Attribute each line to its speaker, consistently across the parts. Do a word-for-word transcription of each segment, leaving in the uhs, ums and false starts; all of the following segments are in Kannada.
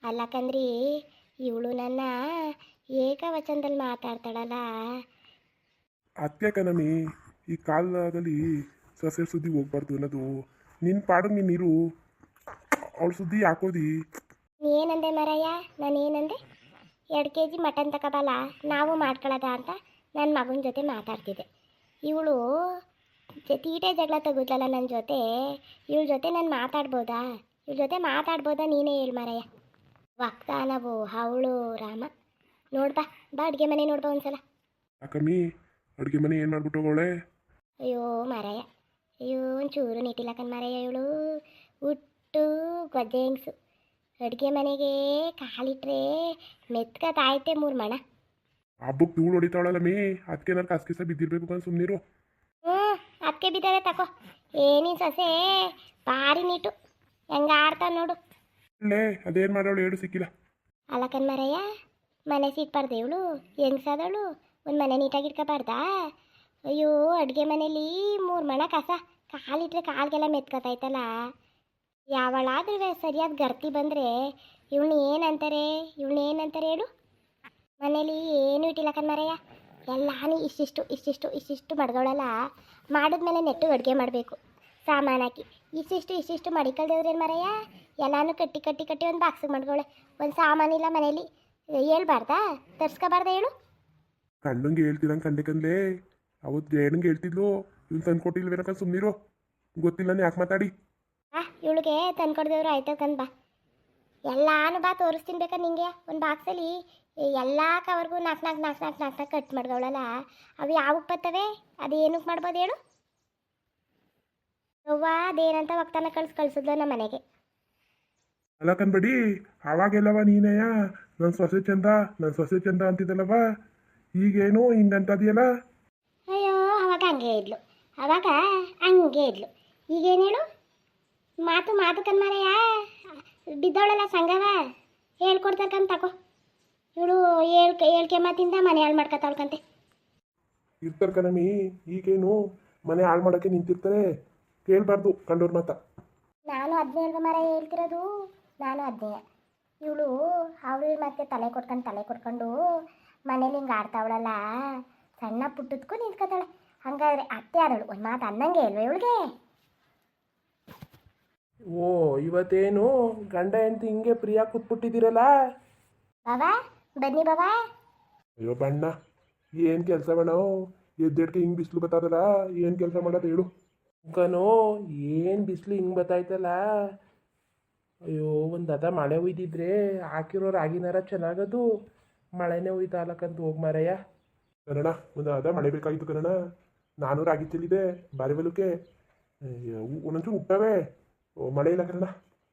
Speaker 1: ಅಲ್ಲಕಂದ್ರಿ ಇವಳು ನನ್ನ ಏಕವಚನದಲ್ಲಿ ಮಾತಾಡ್ತಾಳಲ್ಲ.
Speaker 2: ಅದಕ್ಕೆ ಕಣಮಿ ಈ ಕಾಲದಲ್ಲಿ ಸಸ್ಯ ಸುದ್ದಿ ಹೋಗ್ಬಾರ್ದು ಅನ್ನೋದು. ನಿನ್ನ ಪಾಡು ನೀನಿರು, ಅವಳ ಸುದ್ದಿ ಹಾಕೋದಿ.
Speaker 1: ಏನಂದೆ ಮರಯ್ಯ? ನಾನು ಏನಂದೆ? ಎರಡು ಕೆ ಜಿ ಮಟನ್ ತಗೋಬಲ್ಲ ನಾವು ಮಾಡ್ಕೊಳ್ಳೋದ ಅಂತ ನನ್ನ ಮಗನ ಜೊತೆ ಮಾತಾಡ್ತಿದ್ದೆ. ಇವಳು ತೀಟೆ ಜಗಳ ತೆಗುದ್ಲಲ್ಲ ನನ್ನ ಜೊತೆ. ಇವಳ ಜೊತೆ ನಾನು ಮಾತಾಡ್ಬೋದಾ? ಇವಳ ಜೊತೆ ಮಾತಾಡ್ಬೋದಾ? ನೀನೇ ಹೇಳು ಮರಯ್ಯ. ವಕ್ತಾನವು ಅವಳು ರಾಮ. ನೋಡ್ಬಾ ಬಾ ಅಡುಗೆ ಮನೆ ನೋಡ್ಬಾ ಒಂದ್ಸಲ.
Speaker 2: ಯಾಕಮ್ಮಿ ಅಡುಗೆ ಮನೆ ಏನು ಮಾಡ್ಬಿಟ್ಟು ಹೋಗೋಳೆ?
Speaker 1: ಅಯ್ಯೋ ಮರಯ್ಯ, ಅಯ್ಯೋ ಒಂಚೂರು ನೀಟಿಲ್ಲಕನ್ ಮರಯ್ಯ. ಇವಳು ಹುಟ್ಟು ಗೊಜ್ಜೆ ಹೆಂಗ್ಸು. ಅಡುಗೆ ಮನೆಗೆ ಕಾಲಿಟ್ರೆ ಮೆತ್ಕತಾಯ್ತೆ ಮೂರು ಮಣ.
Speaker 2: ಹಬ್ಬಕ್ಕೆ ಧೂಳು ಹೊಡಿತಾವಳಲ್ಲ ಮೀ, ಅದಕ್ಕೆ ನಾನು ಕಸ ಬಿದ್ದಿರ್ಬೇಕು ಅಂತ ಸುಮ್ಮನಿರು.
Speaker 1: ಹ್ಞೂ ಅದಕ್ಕೆ ಬಿದ್ದಾರೆ ತಕೋ. ಏನಿನ್ ಸೊಸೆ ಭಾರಿ ನೀಟು, ಹೆಂಗ ಆಡ್ತಾವ ನೋಡು.
Speaker 2: ಅಲ್ಲೇ ಅದೇನು ಮಾಡೋಳು ಹೇಳು, ಸಿಕ್ಕಿಲ್ಲ.
Speaker 1: ಅಲ್ಲಕನ್ ಮರಯ್ಯ, ಮನೆ ಸಿಟ್ಬಾರ್ದು ಇವಳು ಹೆಂಗ್ಸಾದವಳು. ಒಂದು ಮನೆ ನೀಟಾಗಿ ಇಟ್ಕೋಬಾರ್ದಾ? ಅಯ್ಯೋ ಅಡುಗೆ ಮನೇಲಿ ಮೂರು ಮಣ ಕಸ, ಕಾಲಿಟ್ರೆ ಕಾಲ್ಗೆಲ್ಲ ಮೆತ್ಕೊತಾಯ್ತಲ್ಲ. ಯಾವಳಾದ್ರೂ ಸರಿಯಾದ ಗರ್ತಿ ಬಂದರೆ ಇವಳನ್ನ ಏನಂತಾರೆ? ಇವಳನ್ನ ಏನಂತಾರೆ ಹೇಳು? ಮನೇಲಿ ಏನೂ ಇಟ್ಟಿಲ್ಲಕನ್ ಮರಯ್ಯ, ಎಲ್ಲಾನು ಇಷ್ಟಿಷ್ಟು ಇಷ್ಟಿಷ್ಟು ಇಷ್ಟಿಷ್ಟು ಮಡ್ಗಳಲ್ಲ. ಮಾಡಿದ್ಮೇಲೆ ನೆಟ್ಟು ಅಡುಗೆ ಮಾಡಬೇಕು ಸಾಮಾನು ಹಾಕಿ. ಇಷ್ಟಿಷ್ಟು ಇಷ್ಟಿಷ್ಟು ಮಡಿಕಲ್ದೇವ್ರೇನು ಮರಯ್ಯ? ಎಲ್ಲಾನು ಕಟ್ಟಿ ಕಟ್ಟಿ ಕಟ್ಟಿ ಒಂದು ಬಾಕ್ಸಿಗೆ ಮಡ್ಗವಳೆ. ಒಂದು ಸಾಮಾನಿಲ್ಲ ಮನೇಲಿ. ಹೇಳ್ಬಾರ್ದಾ? ತರ್ಸ್ಕೊಬಾರ್ದ ಹೇಳು?
Speaker 2: ಕಂಡಂಗೆ ಹೇಳ್ತಿರಂಗೆ ಕಂಡೆಕಂದ್ಲೇ ಅವತ್ತು ಜೇಡಂಗೆ ಹೇಳ್ತಿದ್ಲು. ಇವ್ನು ತಂದು ಕೊಟ್ಟಿಲ್ವೇನಕ ಸುಮ್ಮನಿರು, ಗೊತ್ತಿಲ್ಲ ಯಾಕೆ ಮಾತಾಡಿ.
Speaker 1: ಆ ಇವಳಿಗೆ ತಂದ್ಕೊಡ್ದೇವ್ರು ಆಯ್ತು ಕಂದ್ ಬಾ. ಎಲ್ಲಾನು ಬಾ ತೋರಿಸ್ತೀನಿ ಬೇಕಾ ನಿಂಗೆ. ಒಂದು ಬಾಕ್ಸಲ್ಲಿ ಎಲ್ಲ ಕವರ್ಗೂ ನಾಲ್ಕು ನಾಲ್ಕು ನಾಲ್ಕು ನಾಲ್ಕು ನಾಲ್ಕು ನಾಲ್ಕು ಕಟ್ ಮಾಡ್ದವಳಲ್ಲ. ಅವು ಯಾವಕ್ಕೆ ಬರ್ತವೆ? ಅದು ಏನಕ್ಕೆ ಮಾಡ್ಬೋದು ಹೇಳು? ಅವ್ವ ಅದೇನಂತ ವಕ್ತಾನ ಕಳ್ಸಿ ಕಳ್ಸಿದ್ಲು ನಮ್ಮ ಮನೆಗೆ.
Speaker 2: ಅಲ್ಲ ಕನ್ಬೇಡಿ, ಅವಾಗೆಲ್ಲವ ನೀನಯ್ಯ ನನ್ನ ಸೊಸೆ ಚಂದ ನನ್ನ ಸೊಸೆ ಚಂದ ಅಂತಿದ್ದಲ್ಲವ, ಈಗೇನು ಹಿಂಗಂತದಿಯಲ್ಲ?
Speaker 1: ಅಯ್ಯೋ ಅವಾಗ ಹಂಗೆ ಇದ್ಲು, ಅವಾಗ ಹಂಗೆ ಇದ್ಲು. ಈಗೇನು ಹೇಳು? ಮಾತು ಮಾತು ಕನ್ಮಾರಯ್ಯ. ಬಿದ್ದವಳಲ್ಲ ಸಂಗವ, ಹೇಳ್ಕೊಡ್ತಕ್ಕಂತ ತಗೋ. ಇವಳು ಹೇಳ್ಕೆ ಹೇಳ್ಕೆ ಮಾತಿಂದ ಮನೆ ಹಾಳು ಮಾಡ್ಕೊತಾಳ್ಕಂತೆ.
Speaker 2: ಇರ್ತಾರೆ ಕಣಮಿ, ಈಗೇನು ಮನೆ ಹಾಳು ಮಾಡೋಕ್ಕೆ ನಿಂತಿರ್ತಾರೆ. ಕೇಳಬಾರ್ದು ಕಂಡೋರ್ ಮಾತ.
Speaker 1: ನಾನು ಅದನ್ನೇ ಅಲ್ವ ಮರ ಹೇಳ್ತಿರೋದು, ನಾನು ಅದನ್ನೇ. ಇವಳು ಅವ್ರ ಮತ್ತೆ ತಲೆ ಕೊಟ್ಕೊಂಡು ತಲೆ ಕೊಟ್ಕೊಂಡು ಮನೇಲಿ ಹಿಂಗೆ ಆಡ್ತಾವಳಲ್ಲ. ಸಣ್ಣ ಪುಟ್ಟದ್ಕೂ ನಿಂತ್ಕೊತಾಳೆ. ಹಂಗಾದ್ರೆ ಅತ್ತೆ ಆದವಳು ಒಂದು ಮಾತು ಅನ್ನಂಗೆ ಇಲ್ವ ಇವಳಿಗೆ?
Speaker 3: ಓ ಇವತ್ತೇನು ಗಂಡ ಹೆಂಡತಿ ಹಿಂಗೆ ಪ್ರಿಯಾ ಕೂತ್ಬಿಟ್ಟಿದ್ದೀರಲ್ಲ?
Speaker 1: ಬಾಬಾ ಬನ್ನಿ ಬಾಬಾ.
Speaker 2: ಅಯ್ಯೋ ಬಣ್ಣ, ಏನು ಕೆಲಸ ಬೇಡ, ಎದ್ದೆಡ್ಕೆ ಹಿಂಗೆ ಬಿಸಿಲು ಬತ್ತಾದಲ್ಲ, ಏನು ಕೆಲಸ ಮಾಡೋದು ಹೇಳು?
Speaker 3: ಕನೋ ಏನು ಬಿಸಿಲು ಹಿಂಗೆ ಬತ್ತಾಯ್ತಲ್ಲ. ಅಯ್ಯೋ ಒಂದು ಅದ ಮಳೆ ಒಯ್ದಿದ್ರೆ ಹಾಕಿರೋ ರಾಗಿನಾರ ಚೆನ್ನಾಗದು. ಮಳೆನೇ ಒಯ್ತಾಲಕ್ಕಂತ ಹೋಗಿ ಮಾರಯ್ಯ.
Speaker 2: ಕನ್ನಡ ಒಂದು ಅದ ಮಳೆ ಬೇಕಾಗಿತ್ತು ಕನ್ನಡ. ನಾನು ರಾಗಿ ಚೆಲ್ಲಿದೆ ಬಾರಿ ಬಲಕ್ಕೆ, ಒಂದೊಂಚೂರು ಹುಟ್ಟವೆ, ಮಳೆ ಇಲ್ಲ ಕನ್ನಡ.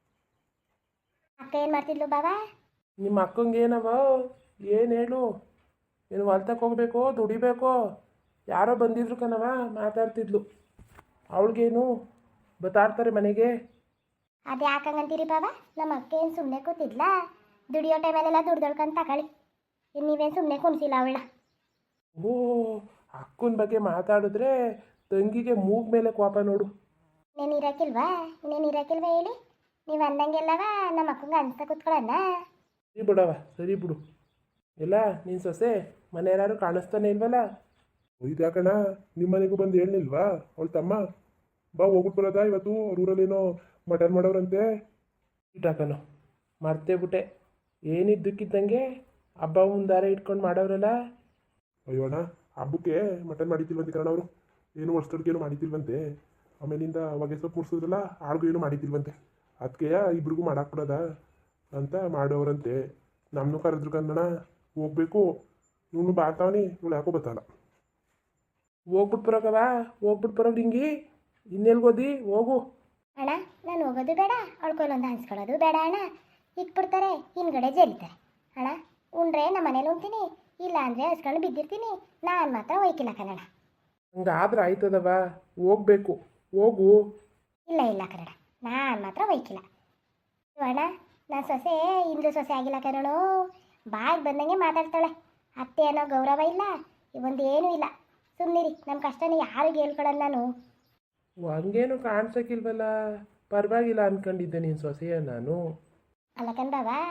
Speaker 1: ಅಕ್ಕ ಏನು ಮಾಡ್ತಿದ್ಲು ಬಾಬಾ?
Speaker 3: ನಿಮ್ಮ ಅಕ್ಕಂಗೆ ಏನವ ಏನು ಹೇಳು? ಏನು ಹೊಲ್ತಕ್ಕೆ ಹೋಗ್ಬೇಕು ದುಡಿಬೇಕು? ಯಾರೋ ಬಂದಿದ್ರು ಕಣವ ಮಾತಾಡ್ತಿದ್ಲು. ಅವಳಿಗೇನು ಬತ್ತಾಡ್ತಾರೆ ಮನೆಗೆ?
Speaker 1: ಅದು ಯಾಕಂಗಂತೀರಿ ಬಾಬಾ? ನಮ್ಮ ಅಕ್ಕ ಏನು ಸುಮ್ಮನೆ ಕೂತಿದ್ಲ? ದುಡಿಯೋ ಟೈಮಲ್ಲೆಲ್ಲ ದುಡ್ದೊಳ್ಕೊಂತ ತಗೊಳ್ಳಿ. ನೀವೇನು ಸುಮ್ಮನೆ ಕುಣಿಸಿಲ್ಲ ಅವಳ.
Speaker 3: ಓ ಅಕ್ಕನ ಬಗ್ಗೆ ಮಾತಾಡಿದ್ರೆ ತಂಗಿಗೆ ಮೂಗ್ ಮೇಲೆ ಕೋಪ ನೋಡು.
Speaker 1: ಇನ್ನೇನು ಇರೋಕ್ಕಿಲ್ವಾ? ಇನ್ನೇನು ಇರೋಕ್ಕಿಲ್ವಾ ಹೇಳಿ? ನೀವು ಅಂದಂಗೆಲ್ಲವ ನಮ್ಮ ಅಕ್ಕಂಗೆ ಅನ್ಸ್ತಾ ಕೂತ್ಕೊಳ್ಳೋಣ.
Speaker 3: ಸರಿ ಬಿಡವ, ಸರಿ ಬಿಡು. ಎಲ್ಲ ನಿನ್ನ ಸೊಸೆ ಮನೆ ಯಾರು ಕಾಣಿಸ್ತಾನೆ ಇಲ್ವಲ್ಲ?
Speaker 2: ಇದ್ಯಾಕಣ್ಣ ನಿಮ್ಮ ಮನೆಗೂ ಬಂದು ಹೇಳಿಲ್ವಾ ಅವಳು ತಮ್ಮ? ಬಾ ಹೋಗ್ಬಿಟ್ಟು ಬರೋದಾ ಇವತ್ತು? ಅವ್ರ ಊರಲ್ಲೇನೋ ಮಟನ್ ಮಾಡೋರಂತೆ.
Speaker 3: ಇಟ್ಟಾಕನು ಮರ್ತೇ ಬಿಟ್ಟೆ. ಏನಿದ್ದಕ್ಕಿದ್ದಂಗೆ ಹಬ್ಬ ಮುಂದಾರೆ ಇಟ್ಕೊಂಡು ಮಾಡೋರಲ್ಲ.
Speaker 2: ಅಯ್ಯೋ ಅಣ್ಣ, ಹಬ್ಬಕ್ಕೆ ಮಟನ್ ಮಾಡಿದ್ದಿಲ್ವಂತೆ ಕಣ ಅವರು. ಏನು ವರ್ಷದೊಡ್ಗೇನು ಮಾಡಿದ್ದಿಲ್ವಂತೆ. ಆಮೇಲಿಂದ ಹೊಗೆ ಸೊಪ್ಪು ಮುಡ್ಸಿದ್ರಲ್ಲ, ಆಳ್ಗೂ ಏನು ಮಾಡಿದ್ದಿಲ್ವಂತೆ. ಅದಕ್ಕೆ ಇಬ್ರಿಗೂ ಮಾಡಾಕ್ಬಿಡೋದ ಅಂತ ಮಾಡೋರಂತೆ. ನಮ್ಮನ್ನು ಕರೆದ್ರು ಕನ್ನಡ ಹೋಗ್ಬೇಕು. ಇವನು ಬಾತಾವನಿ, ಇವಳು ಯಾಕೋ ಬತ್ತಲ್ಲ.
Speaker 3: ಹೋಗ್ಬಿಟ್ಟು ಬರೋಕವ, ಹೋಗ್ಬಿಟ್ಟು ಬರೋದು ಹಿಂಗಿ ಇನ್ನೆಲ್ಗೋದಿ ಹೋಗು.
Speaker 1: ಅಣ್ಣ ನಾನು ಹೋಗೋದು ಬೇಡ, ಅವಳ್ಕೊಳ್ಳೊಂದು ಹಂಚ್ಕೊಳ್ಳೋದು ಬೇಡ ಅಣ್ಣ. ಇಟ್ಬಿಡ್ತಾರೆ ಹಿಂದ್ಗಡೆ ಜರಿತಾರೆ. ಅಣ್ಣ ಉಂಡ್ರೆ ನಮ್ಮ ಮನೇಲಿ ಉಣ್ತೀನಿ, ಇಲ್ಲ ಅಂದರೆ ಹಸ್ಕೊಂಡು ಬಿದ್ದಿರ್ತೀನಿ. ನಾನು ಮಾತ್ರ ಹೋಯ್ಕಿಲ್ಲ ಕನ್ನಡ.
Speaker 3: ಹಂಗಾದ್ರೆ ಆಯ್ತದವ, ಹೋಗ್ಬೇಕು ಹೋಗು.
Speaker 1: ಇಲ್ಲ ಇಲ್ಲ ಕನ್ನಡ, ನಾನು ಮಾತ್ರ ಹೋಯ್ಕಿಲ್ಲ. ಅಣ್ಣ ನಾನು ಸೊಸೆ ಇಂದು ಸೊಸೆ ಆಗಿಲ್ಲ ಕನ್ನಡ. ಬಾಯಿಗೆ ಬಂದಂಗೆ ಮಾತಾಡ್ತಾಳೆ. ಅತ್ತೆ ಅನ್ನೋ ಗೌರವ ಇಲ್ಲ, ಒಂದು ಏನೂ ಇಲ್ಲ. ಸುಮ್ಮನಿರಿ, ನಮ್ಮ ಕಷ್ಟನ ಯಾರಿಗೆ ಹೇಳ್ಕೊಳ್ಳೋದು ನಾನು.
Speaker 3: ಹಂಗೇನು ಕಾಣ್ಸಕ್ಕಿಲ್ವಲ್ಲ, ಪರವಾಗಿಲ್ಲ ಅನ್ಕೊಂಡಿದ್ದೆ ನಿನ್ನ ಸೊಸೆಯ ನಾನು.
Speaker 1: ಅಲ್ಲ ಕಣ್ ಬಾಬಾ,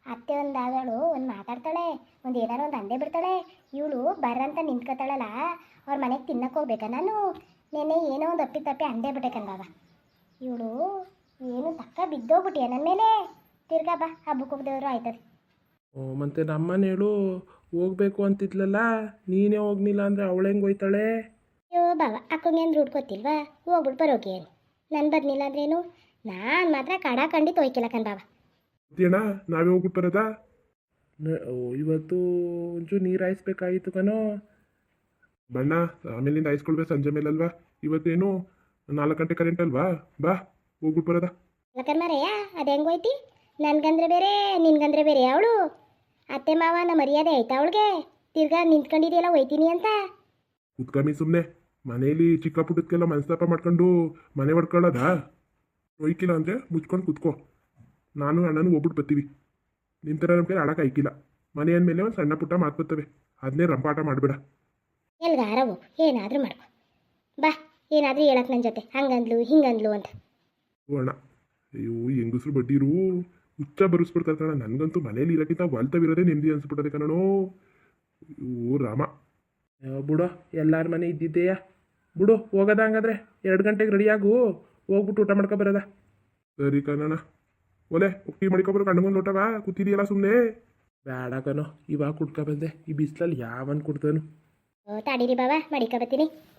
Speaker 1: ಅತ್ತೆ ಒಂದು ಆದಳು ಒಂದು ಮಾತಾಡ್ತಾಳೆ ಒಂದು ಏನಾರು ಒಂದು ಅಂದೇ ಬಿಡ್ತಾಳೆ. ಇವಳು ಬರ್ರಂತ ನಿಂತ್ಕೊತಾಳಲ್ಲ, ಅವ್ರ ಮನೆಗೆ ತಿನ್ನಕ್ಕೆ ಹೋಗ್ಬೇಕಾ ನಾನು? ನೆನ್ನೆ ಏನೋ ಒಂದು ಅಪ್ಪಿ ತಪ್ಪಿ ಅಂದೇ ಬಿಟ್ಟೆ ಕಣ್ಬಾವ. ಇವಳು ಏನು ತಕ್ಕ ಬಿದ್ದೋಗ್ಬಿಟ್ಟಿಯ ನನ್ನ ಮೇಲೆ. ತಿರ್ಗಾ ಬಾ ಹಬ್ಬಕ್ಕೆ ಹೋಗ್ದೇವ್ರು ಆಯ್ತದೆ.
Speaker 3: ಓ ಮತ್ತೆ ನಮ್ಮನೆ ಹೇಳು ಹೋಗ್ಬೇಕು ಅಂತಿದ್ಲಲ್ಲ, ನೀನೇ ಹೋಗ್ನಿಲ್ಲ ಅಂದರೆ ಅವಳು ಹೆಂಗೆ ಹೋಯ್ತಾಳೆ?
Speaker 1: ಅಯ್ಯೋ ಬಾವ ಅಕ್ಕಂಗೆ ಅಂದ್ರೆ ಹುಡ್ಕೋತಿಲ್ವಾ, ಹೋಗ್ಬಿಟ್ಟು ಬರೋಕೆ ಏನು. ನಾನು ಬದ್ನಿಲ್ಲ ಅಂದ್ರೇನು, ನಾನು ಮಾತ್ರ ಕಡ ಖಂಡಿತ ಹೋಯ್ಕಿಲ್ಲ ಕಣ್ ಬಾವ.
Speaker 2: ಅಣ್ಣ ನಾವೇ ಹೋಗ್ಬಿಟ್ಟು ಬರೋದಾ?
Speaker 3: ನ- ಓ ಇವತ್ತು ಒಂಚೂರು ನೀರು ಹಾಯಿಸ್ಬೇಕಾಗಿತ್ತು ಕಣೋ.
Speaker 2: ಬಣ್ಣ ಆಮೇಲಿಂದ ಆಯ್ಸ್ಕೊಳ್ಬೇಕು ಸಂಜೆ ಮೇಲಲ್ವಾ? ಇವತ್ತೇನು ನಾಲ್ಕು ಗಂಟೆ ಕರೆಂಟ್ ಅಲ್ವಾ? ಬಾ ಹೋಗ್ಬಿಟ್ಟು ಬರೋದಾ?
Speaker 1: ಯಾಕಂದ್ರೆ ಮರೆಯ ಅದು ಹೆಂಗೆ ಹೋಯ್ತಿ? ನನ್ಗಂದ್ರೆ ಬೇರೆ ನಿನ್ಗಂದ್ರೆ ಬೇರೆ ಅವಳು. ಅತ್ತೆ ಮಾವ ನಮ್ಮ ಮರ್ಯಾದೆ ಆಯ್ತಾ ಅವಳಿಗೆ? ತಿರ್ಗಾ ನಿಂತ್ಕೊಂಡಿದೆಯಲ್ಲ ಹೋಯ್ತೀನಿ ಅಂತ.
Speaker 2: ಕುತ್ಕಮ್ಮಿ ಸುಮ್ಮನೆ ಮನೇಲಿ ಚಿಕ್ಕ ಪುಟ್ಟದಕ್ಕೆಲ್ಲ ಮನಸ್ತಾಪ ಮಾಡ್ಕೊಂಡು ಮನೆ ಹೊಡ್ಕೊಳ್ಳೋದಾ? ಒಯ್ಕಿಲ್ಲ ಅಂದರೆ ಮುಚ್ಕೊಂಡು ಕುತ್ಕೋ. ನಾನು ಅಣ್ಣನೂ ಹೋಗ್ಬಿಟ್ಟು ಬರ್ತೀವಿ. ನಿಮ್ಮ ಥರ ನಮ್ಮ ಕೈ ಆಡಕ್ಕೆ ಆಯ್ಕಿಲ್ಲ. ಮನೆ ಅಂದಮೇಲೆ ಒಂದು ಸಣ್ಣ ಪುಟ್ಟ ಮಾತು ಬರ್ತವೆ, ಅದನ್ನೇ ರಂಪಾಟ ಮಾಡಬೇಡ.
Speaker 1: ಎಲ್ಗಾರವು ಏನಾದರೂ ಮಾಡ್ಕೊ ಬಾ. ಏನಾದರೂ ಹೇಳಕ್ಕೆ ನನ್ನ ಜೊತೆ ಹಂಗಂದ್ಲು ಹಿಂಗಂದ್ಲು ಅಂತ.
Speaker 2: ಓ ಅಣ್ಣ, ಅಯ್ಯೋ ಹೆಂಗಸ್ರು ಬಡ್ಡಿರು ಹುಚ್ಚ ಬರೆಸ್ಬಿಡ್ತಾರೆ ಕಣ. ನನಗಂತೂ ಮನೇಲಿ ಇರೋಕ್ಕಿಂತ ಹೊಲ್ತವಿರೋದೇ ನೆಮ್ಮದಿ ಅನ್ಸ್ಬಿಟ್ಟದೆ ಕಣೋ. ಓ ರಾಮ.
Speaker 3: ಅಯ್ಯೋ, ಬಿಡು ಎಲ್ಲರ ಮನೆ ಇದ್ದಿದ್ದೆಯಾ. ಬಿಡು ಹೋಗೋದ ಹಂಗಾದ್ರೆ ಎರಡು ಗಂಟೆಗೆ ರೆಡಿಯಾಗು, ಹೋಗ್ಬಿಟ್ಟು ಊಟ ಮಾಡ್ಕೊ ಬರೋದ.
Speaker 2: ಸರಿ ಕಣಣ್ಣ. ಒಲೆ ಒಕ್ಕಿ ಮಡಿಕೊಬ್ರು ಕಣ್ಣಗೊಂದು ಲೋಟವಾ ಕೂತಿದೆಯಲ್ಲ ಸುಮ್ಮನೆ.
Speaker 3: ಬೇಡ ಕಣೋ, ಇವಾಗ ಕುಡ್ಕೊ ಬಂದೆ. ಈ ಬಿಸಿಲಲ್ಲಿ ಯಾವನ್ ಕುಡ್ತಾನು?
Speaker 1: ಓ ತಾಡೀರಿ ಬಾವ ಮಡಿಕ ಬತ್ತೀನಿ.